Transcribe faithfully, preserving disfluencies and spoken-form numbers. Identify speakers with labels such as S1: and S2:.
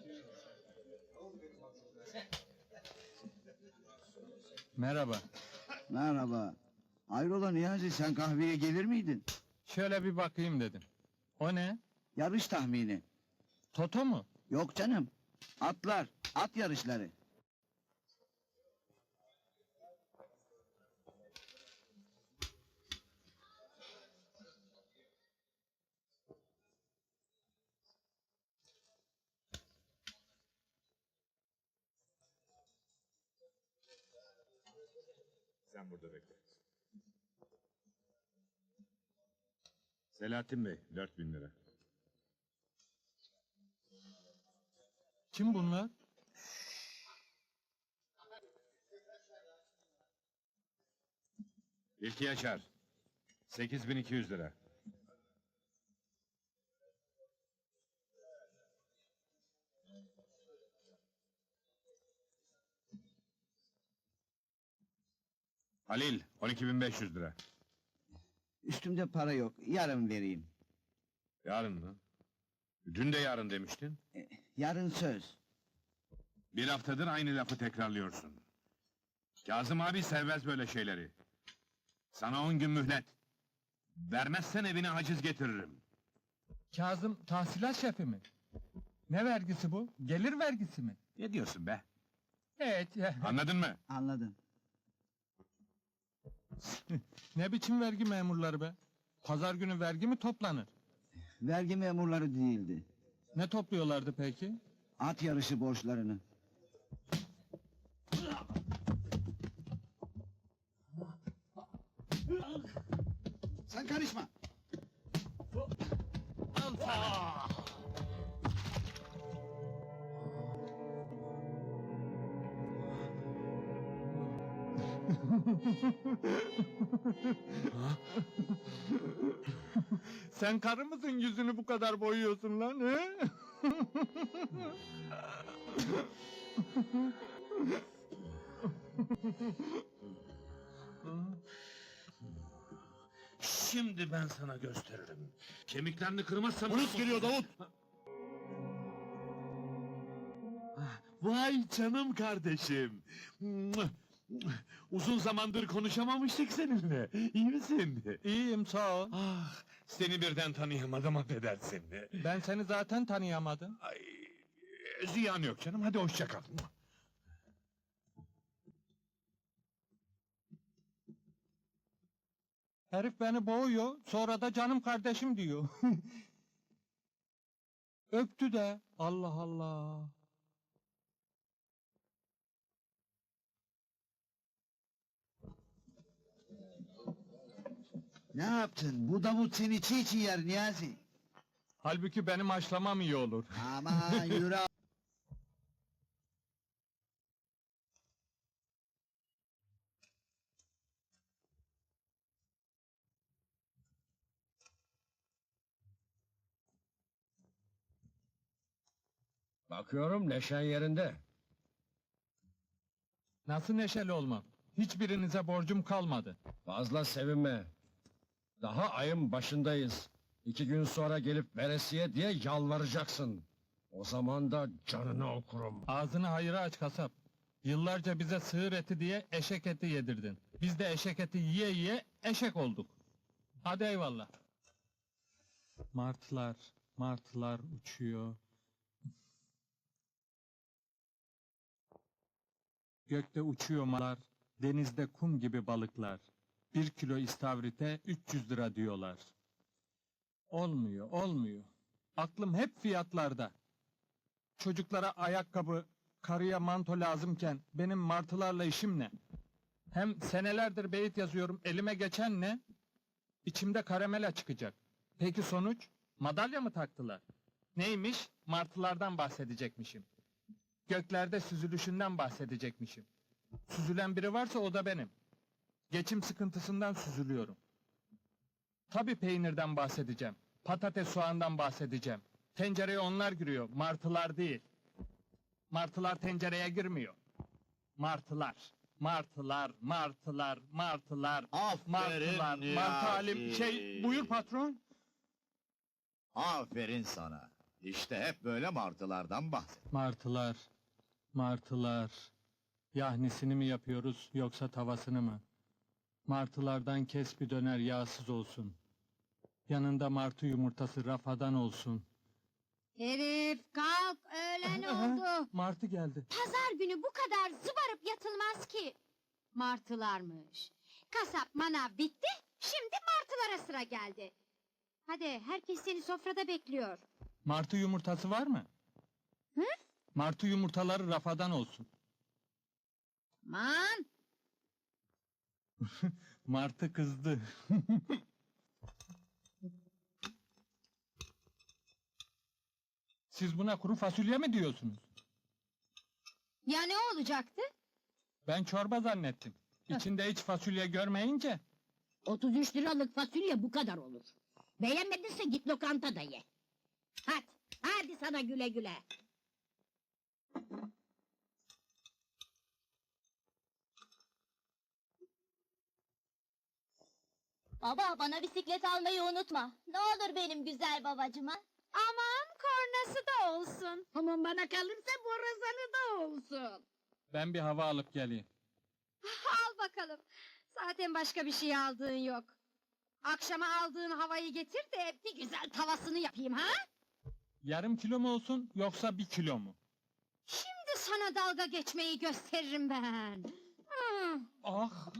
S1: Merhaba.
S2: Merhaba. Hayrola Niyazi, sen kahveye gelir miydin?
S1: Şöyle bir bakayım dedim. O ne?
S2: Yarış tahmini.
S1: Toto mu?
S2: Yok canım. Atlar, at yarışları.
S3: Sen burada bekle. Selahattin Bey, dört bin lira.
S1: Kim bunlar?
S3: İlki Yaşar, sekiz bin iki yüz lira. Halil, on iki bin beş yüz lira.
S2: Üstümde para yok, yarın vereyim.
S3: Yarın mı? Dün de yarın demiştin.
S2: E, yarın söz.
S3: Bir haftadır aynı lafı tekrarlıyorsun. Kazım abi sevmez böyle şeyleri. Sana on gün mühlet. Vermezsen evine haciz getiririm.
S1: Kazım tahsilat şefi mi? Ne vergisi bu? Gelir vergisi mi?
S3: Ne diyorsun be?
S1: Evet.
S3: Anladın mı?
S2: Anladın.
S1: Ne biçim vergi memurları be? Pazar günü vergi mi toplanır?
S2: Vergi memurları değildi.
S1: Ne topluyorlardı peki?
S2: At yarışı borçlarını. Sen karışma.
S1: Sen karı mısın yüzünü bu kadar boyuyorsun lan he?
S3: Şimdi ben sana gösteririm. Kemiklerini kırmazsam...
S4: Polis geliyor Davut! Vay canım kardeşim! Uzun zamandır konuşamamıştık seninle. İyi misin?
S1: İyiyim sağ ol.
S4: Ah, seni birden tanıyamadım, affedersin.
S1: Ben seni zaten tanıyamadım.
S4: Ay, ziyan yok canım, hadi hoşça kal.
S1: Herif beni boğuyor, sonra da canım kardeşim diyor. Öptü de, Allah Allah.
S2: Ne yaptın? Bu Davut seni çiğ çiğ yer Niyazi.
S1: Halbuki benim haşlamam iyi olur.
S2: Aman yürü.
S5: Bakıyorum neşen yerinde.
S1: Nasıl neşeli olmam? Hiçbirinize borcum kalmadı.
S5: Fazla sevinme. Daha ayın başındayız. İki gün sonra gelip veresiye diye yalvaracaksın. O zaman da canını okurum.
S1: Ağzını hayıra aç kasap. Yıllarca bize sığır eti diye eşek eti yedirdin. Biz de eşek eti yiye yiye eşek olduk. Hadi eyvallah. Martılar, martılar uçuyor. Gökte uçuyor martılar, denizde kum gibi balıklar. Bir kilo istavrite üç yüz lira diyorlar. Olmuyor, olmuyor. Aklım hep fiyatlarda. Çocuklara ayakkabı, karıya manto lazımken benim martılarla işim ne? Hem senelerdir beyit yazıyorum, elime geçen ne? İçimde karamela çıkacak. Peki sonuç? Madalya mı taktılar? Neymiş? Martılardan bahsedecekmişim. Göklerde süzülüşünden bahsedecekmişim. Süzülen biri varsa o da benim. Geçim sıkıntısından süzülüyorum. Tabii peynirden bahsedeceğim. Patates soğandan bahsedeceğim. Tencereye onlar giriyor, martılar değil. Martılar tencereye girmiyor. Martılar, martılar, martılar, martılar,
S4: Aferin
S1: martılar,
S4: Niyazi.
S1: martı alim... Şey, buyur patron.
S4: Aferin sana. İşte hep böyle martılardan bahset.
S1: Martılar, martılar. Yahnisini mi yapıyoruz yoksa tavasını mı? Martılardan kes bir döner yağsız olsun. Yanında martı yumurtası rafadan olsun.
S6: Herif kalk, öğlen oldu.
S1: Martı geldi.
S6: Pazar günü bu kadar zıbarıp yatılmaz ki. Martılarmış. Kasap manav bitti, şimdi martılara sıra geldi. Hadi, herkes seni sofrada bekliyor.
S1: Martı yumurtası var mı?
S6: Hı?
S1: Martı yumurtaları rafadan olsun.
S6: Man,
S1: Martı kızdı. Siz buna kuru fasulye mi diyorsunuz?
S6: ya ne olacaktı?
S1: Ben çorba zannettim. İçinde hiç fasulye görmeyince.
S7: otuz üç liralık fasulye bu kadar olur. Beğenmedinse git lokantada ye. Hadi, hadi sana güle güle.
S8: Baba bana bisiklet almayı unutma. Ne olur benim güzel babacıma.
S6: Aman, kornası da olsun.
S7: Aman bana kalırsa borazanı da olsun.
S1: Ben bir hava alıp geleyim.
S6: Al bakalım. Zaten başka bir şey aldığın yok. Akşama aldığın havayı getir de bir güzel tavasını yapayım ha?
S1: Yarım kilo mu olsun yoksa bir kilo mu?
S6: Şimdi sana dalga geçmeyi gösteririm ben. Hmm.
S1: Ah!